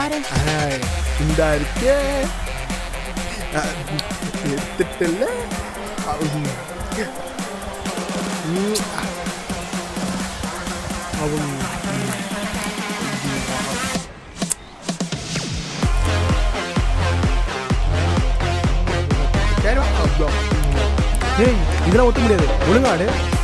பாரு. இந்த இருக்கே எடுத்துட்டல. இதெல்லாம் ஒட்ட முடியாது. ஒழுங்காடு.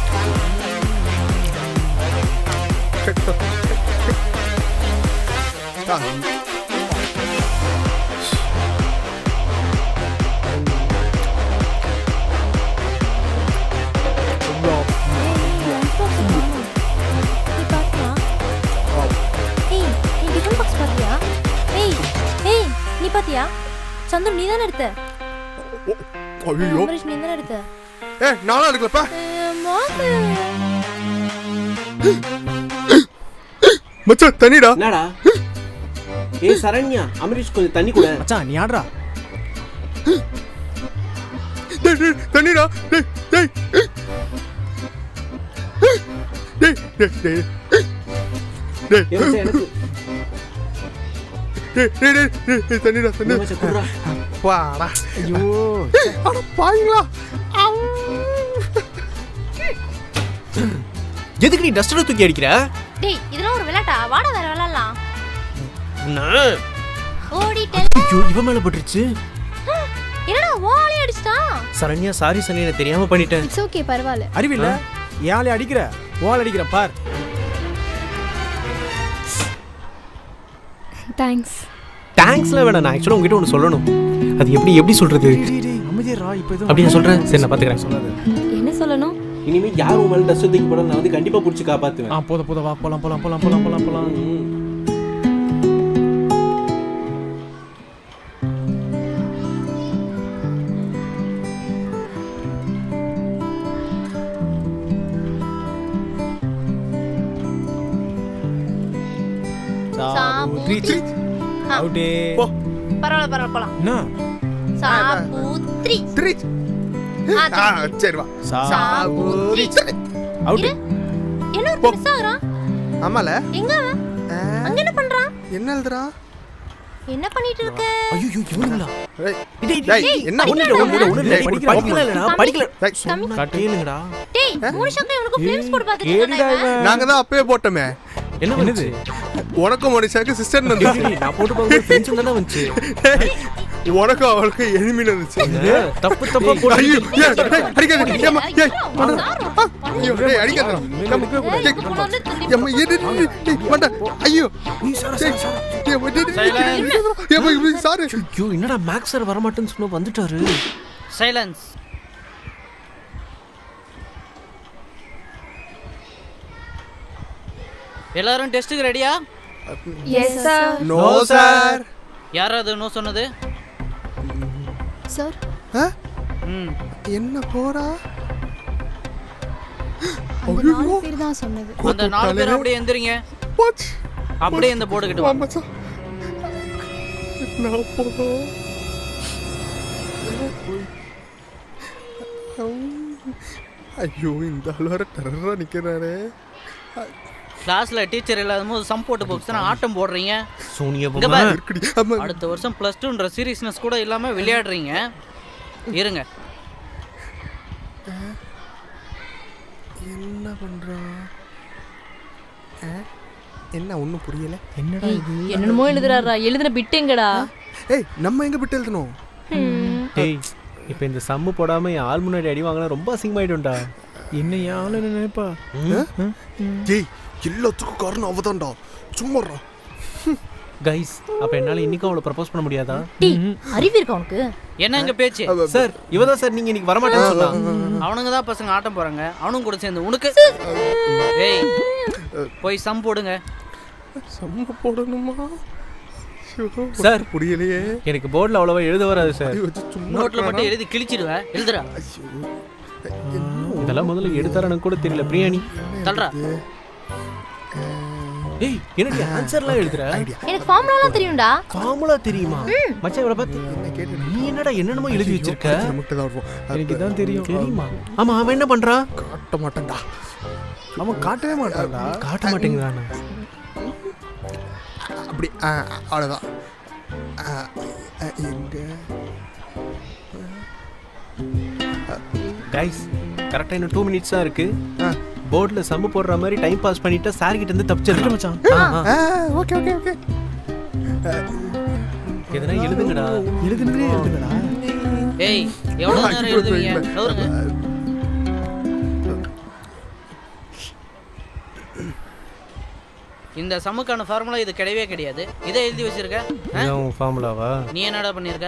நீ பாத்தியா? சந்திர நீ தானே எடுத்த? ஐயோ அமரேஷ் நீ தானே எடுத்த? நானும் எடுக்கலப்பா. மச்சான் தண்ணிடா. என்னடா? சரண்யா, அமரேஷ் கொஞ்சம் தண்ணி கூட. மச்சான் நீ ஆடுறா. தண்ணிடா. டேய் டேய் டேய் டேய் டேய் எனக்கு தண்ணிடா தண்ணி குடுறா. பாடா. ஐயோ அட பாயிங்களா. எதுக்கு நீ டஸ்டர் தூக்கி அடிக்கிற? டேய் இதெல்லாம் ஒரு விளையாட்டா? வாடா வேற விளையாடலாம். ஓடிட்டல. ஐயோ இவன் மேல பட்டுருச்சு. என்னடா வாளே அடிச்சிட்டான்? சரண்யா சாரி சரண்யா, நான் தெரியாம பண்ணிட்டேன். இட்ஸ் ஓகே பரவாயில்லை. அறிவில்ல ஏன் அடிக்கிற? வாள் அடிக்கிற பார். தேங்க்ஸ். தேங்க்ஸ்லாம் வேணாம். நான் ஆக்சுவலாக உங்ககிட்ட ஒன்று சொல்லணும். அது எப்படி சொல்றது? அமைதியா இப்போ இது அப்படி நான் சொல்றேன். சரி நான் பாத்துக்கிறேன். சொல்லாது. என்ன சொல்லணும்? இனிமே யாரும் மேல டஸ்ட் தூக்கி போட நான் வந்து கண்டிப்பா புடிச்சு காப்பாத்துவேன். போத வா போலாம். சாபூத்ரி. அவுட்டே. பரவாயில்ல போலாம். என்ன? சாபூத்ரி. சரி வா. சாபூத்ரி. அவுட். என்ன ஒரு மிஸ் ஆகுறான்? ஆமால. எங்க அவன்? அங்க என்ன பண்றான்? என்ன எழுதுறா? என்ன பண்ணிட்டு இருக்க? ஐயோ இவனுங்களா? டேய் என்ன ஒண்ணு படிக்கல. கட்டேலுங்கடா. டேய் மூணு ஷாட்ல இவனுக்கு ஃப்ளேம்ஸ் போட்டு பாத்துட்டு இருக்கானே. நாங்க தான் அப்பவே போட்டோமே. என்ன பண்ணுது? உனக்கும் மனுஷாக்கு சிஸ்டர் வந்துச்சு. நான் போட்டு பாக்கும்போது ஃப்ரெண்ட்ஸ் தான வந்துச்சு. உனக்கும் அவளுக்கு எனிமி வந்துச்சு. தப்பு போடு. ஐயோ அடிக்காத. ஏமா ஏய் ஐயோ டேய் அடிக்காத. ஏமா ஏடி மண்ட. ஐயோ நீ சார். ஏமா சார். ஐயோ என்னடா மேக்ஸ் சார் வர மாட்டேன்னு சொன்னா வந்துட்டாரு. சைலன்ஸ். எல்லாரும் டெஸ்ட்டுக்கு ரெடியா? Yes sir. No sir. யாராவது நோ சொன்னது? சார். என்ன போடா? அந்த 4 பேர் தான் சொன்னது. அந்த 4 பேர் அப்படியே எந்திரிங்க. அப்படியே இந்த போர்டு கிட்ட வாங்க. நான் போறோம். ஐயோ இந்த ஆளோட டெரரா நிக்கிறாரே. கிளாஸ்ல டீச்சர் இல்லாதபோது சம் போட்டு பாக்ஸ் ஆட்டம் போடுறீங்க. சோனியா அடுத்த வருஷம் +2ன்ற சீரியஸ்னஸ் கூட இல்லாம விளையாடுறீங்க. இருங்க. என்ன பண்றான்? என்ன ஒண்ணும் புரியல. என்னடா இது? என்னமோ எழுதுறாரா? எழுதுன பிட் எங்கடா? ஏய் நம்ம எங்க பிட் எழுதணும்? டேய் இப்போ இந்த சம்மு போடாம என் ஆள் முன்னாடி அடி வாங்கினா ரொம்ப அசிங்கமாயிடும்டா. என்ன யாழ நினைப்பா? டேய் எல்லாத்துக்கும் காரணம் அவதான்டா. சும்மாடா. கைஸ் அப்ப என்னால இன்னைக்கு அவளை ப்ரப்போஸ் பண்ண முடியாதா? டேய் அறிவு இருக்கா உனக்கு? என்னங்க பேச்சு? சார் இவதான் சார் நீங்க இன்னைக்கு வர மாட்டேன்னு சொன்னா. அவனுங்க தான் பசங்க ஆட்டம் போறாங்க. அவனும் கூட சேர்ந்து உனக்கு ஏய் போய் சம் போடுங்க. சம் போடணுமா? சார் புரியலையே. எனக்கு போர்டுல அவ்வளவா எழுத வராது சார். நோட்ல மட்டும் எழுதி கிழிச்சிடுவேன். எழுதுடா. இதெல்லாம் முதல்ல எடுத்தாரன்னு கூட தெரியல. பிரியாணி தள்ளுடா. ஏய் என்னடி ஆன்சர்லாம் எழுதுற? எனக்கு ஃபார்முலாலாம் தெரியும்டா. ஃபார்முலா தெரியுமா? மச்சான் இவளை பார்த்து என்ன கேட்டு நீ என்னடா என்னென்னமோ எழுதி வச்சிருக்க? எனக்கு தான் தெரியும். தெரியுமா? ஆமா அவன் என்ன பண்றான்? காட்ட மாட்டான்டா. அவன் காட்டவே மாட்டான்டா. காட்ட மாட்டேங்கிறானா? அப்படி அவ்வளவுதான். எங்க கைஸ் கரெக்டாக இன்னும் 2 minutes தான் இருக்கு. ஆ. போர்டில் சம்மு போடுற மாதிரி டைம் பாஸ் பண்ணிட்டா சார் கிட்ட இருந்து தப்பிச்சிடலாம் மச்சான். ஓகே ஓகே ஓகே எதனா எழுதுங்கடா. எழுதுங்கடா. ஏய் எவ்வளோ நேரம் எழுதுவீங்க நவருங்க. இந்த சம்முக்கான ஃபார்முலா இது கிடையவே கிடையாது. இதை எழுதி வச்சிருக்க. இதான் ஃபார்முலாவா? நீ என்னடா பண்ணியிருக்க?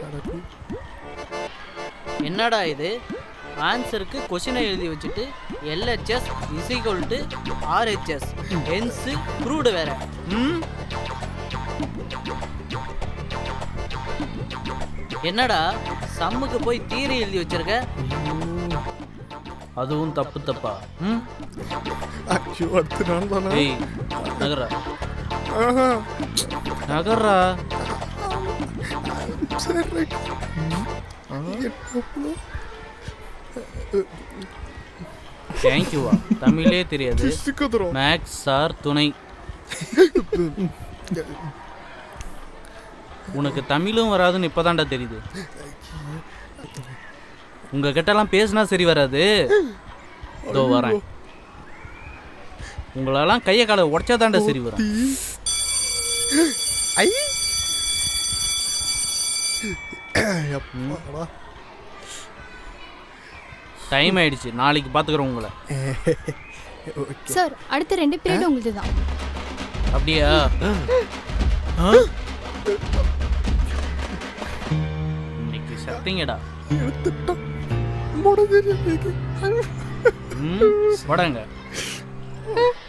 என்னடா இது? ஆன்சருக்கு கொஷினை எழுதி வச்சுட்டு LHS = RHS ஹென்ஸ் ப்ரூவ்டு வேற. என்னடா சம்முக்கு போய் தியரி எழுதி வச்சிருக்க? அதுவும் தப்பு தப்பா? ஐயோ அடுத்து நான் தானே ஏய் நகரா நகரா. சரி ரைட் தேங்க்யூவா. தமிழே தெரியாது, சிக்கதுறோம் மேக்ஸ் சார் துணை. உனக்கு தமிழும் வராதுன்னு இப்போதான்டா தெரியுது. உங்க கிட்டலாம் பேசினா சரி வராது. இதோ வரேன். உங்களெல்லாம் கையை காலை உடச்சாதான்டா சரி வரும். ஐ அப்பாடா டைம் ஆயிடுச்சு. நாளைக்கு பார்த்துக்கிறோம் உங்களை. சார் அடுத்த 2 பீரியட் உங்களுக்கு தான். அப்படியா? இன்னைக்கு சத்திங்கடா. எடுத்துட்டோம் முடிஞ்சிருக்கு வடங்க